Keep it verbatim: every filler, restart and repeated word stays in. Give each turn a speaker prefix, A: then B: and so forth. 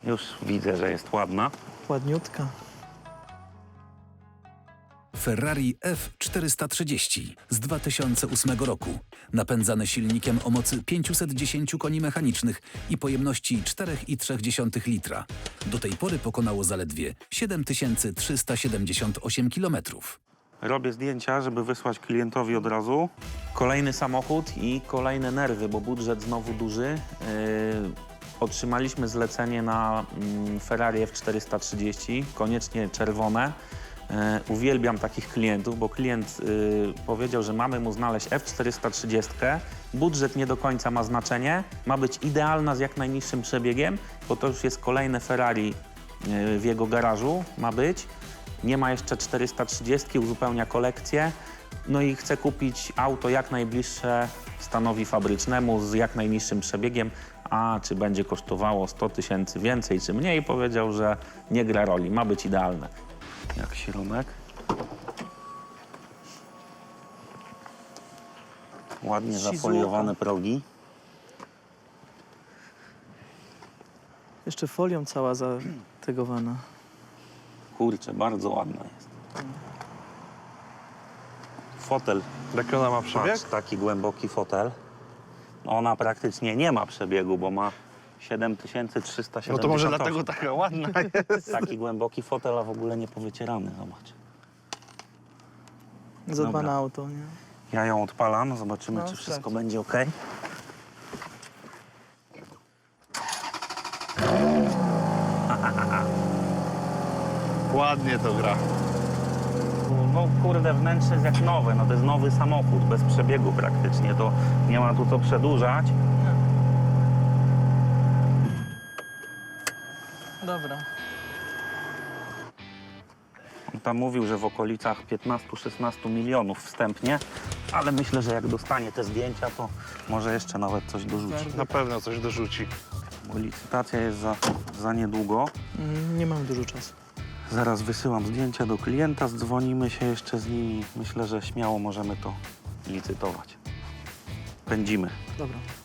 A: Już widzę, że jest ładna.
B: Ładniutka.
C: Ferrari F czterysta trzydzieści z dwa tysiące ósmego roku, napędzany silnikiem o mocy pięćset dziesięć koni mechanicznych i pojemności cztery przecinek trzy litra. Do tej pory pokonało zaledwie siedem tysięcy trzysta siedemdziesiąt osiem kilometrów.
A: Robię zdjęcia, żeby wysłać klientowi od razu. Kolejny samochód i kolejne nerwy, bo budżet znowu duży. Yy, otrzymaliśmy zlecenie na mm, Ferrari F czterysta trzydzieści, koniecznie czerwone. Yy, uwielbiam takich klientów, bo klient yy, powiedział, że mamy mu znaleźć F czterysta trzydzieści. Budżet nie do końca ma znaczenie. Ma być idealna z jak najniższym przebiegiem, bo to już jest kolejne Ferrari yy, w jego garażu ma być. Nie ma jeszcze czterysta trzydzieści, uzupełnia kolekcję. No i chce kupić auto jak najbliższe stanowi fabrycznemu z jak najniższym przebiegiem. A czy będzie kosztowało sto tysięcy więcej czy mniej, powiedział, że nie gra roli, ma być idealne. Jak śrumek. Ładnie
B: Sizuka.
A: zafoliowane progi.
B: Jeszcze folią cała zategowana.
A: Kurczę, bardzo ładna jest. Fotel.
D: Jaki ona ma przebieg?
A: Patrz, taki głęboki fotel. Ona praktycznie nie ma przebiegu, bo ma siedem tysięcy trzysta siedemdziesiąt osiem.
D: No to może dlatego taka ładna jest.
A: Taki głęboki fotel, a w ogóle nie powycierany, zobacz.
B: Zadbane
A: Dobra.
B: auto, nie?
A: Ja ją odpalam, zobaczymy,
B: No,
A: czy wszystko
B: sprawdź.
A: będzie ok.
D: Ładnie to gra.
A: No kurde, wnętrze jest jak nowe, no to jest nowy samochód, bez przebiegu praktycznie, to nie ma tu co przedłużać.
B: Dobra.
A: On tam mówił, że w okolicach piętnaście szesnaście milionów wstępnie, ale myślę, że jak dostanie te zdjęcia, to może jeszcze nawet coś dorzuci.
D: Na pewno coś dorzuci.
A: Bo licytacja jest za, za niedługo.
B: Mm, nie mam dużo czasu.
A: Zaraz wysyłam zdjęcia do klienta, zdzwonimy się jeszcze z nimi. Myślę, że śmiało możemy to licytować. Pędzimy.
B: Dobra.